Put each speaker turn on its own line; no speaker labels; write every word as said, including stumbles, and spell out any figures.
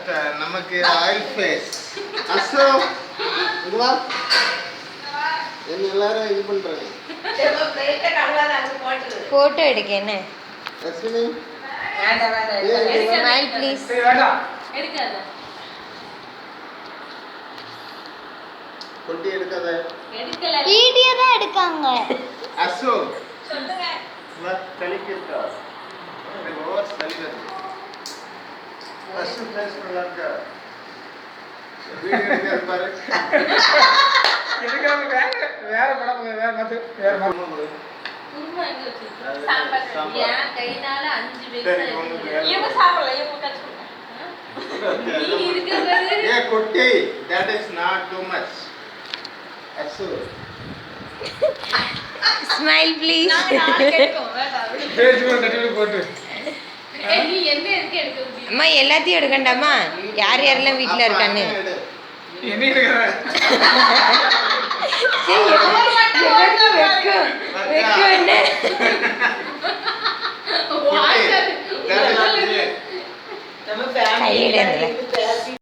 But நமக்கு oil face. அசோ இங்க வா. என்ன எல்லாரும் இது பண்றாங்க.
போட்டோ எடுக்க என்ன?
அஸ்வினி
வேண்டாம் வேண்டாம்.
Smile please.
வேண்டாம்.
எடுக்காத.
கொட்டி எடுக்காத.
எடுக்கல.
வீடியோ தான் எடுக்காங்க.
அசோ
சொல்லுங்க.
வா கலிக்கிட்டா. இது ஓவர் ஸ்டைல் இருக்கு. அசோ ஃபேஸ் நல்லா இருக்கா? வீடியோ எடுக்க பாரு.
எடுக்காம வேற வேற படம் வேற மத்து வேற மத்து.
குருமா எங்க வச்சிருக்க? சாம்பார்.
சாம்பார்.
ஏன் கைனால அஞ்சு
சரி,
பேர்.
ஒண்ணுக்கு வேற.
இவங்க சாப்பிடல, இவங்க கச்சு. நீ இருக்கிறது.
ஏ கொட்டி. That is not too much. அசோ
ஸ்மைல் ப்ளீஸ்.
நாங்க நாளைக்கு எடுக்கோம். வேண்டாம்.
பேஸ்புக் நெட்ல போட்டு.
ஏய் நீ எந்த எதுக்கு எடுக்க முடியும்?
அம்மா எல்லாத்தையும் எடுக்கண்டாமா? யார் யாரெல்லாம் வீட்டில் இருக்கான்னு
என்ன எடுக்கற?
வெக்கம் என்ன?
வாங்க.
நம்ம
கையில இருந்தல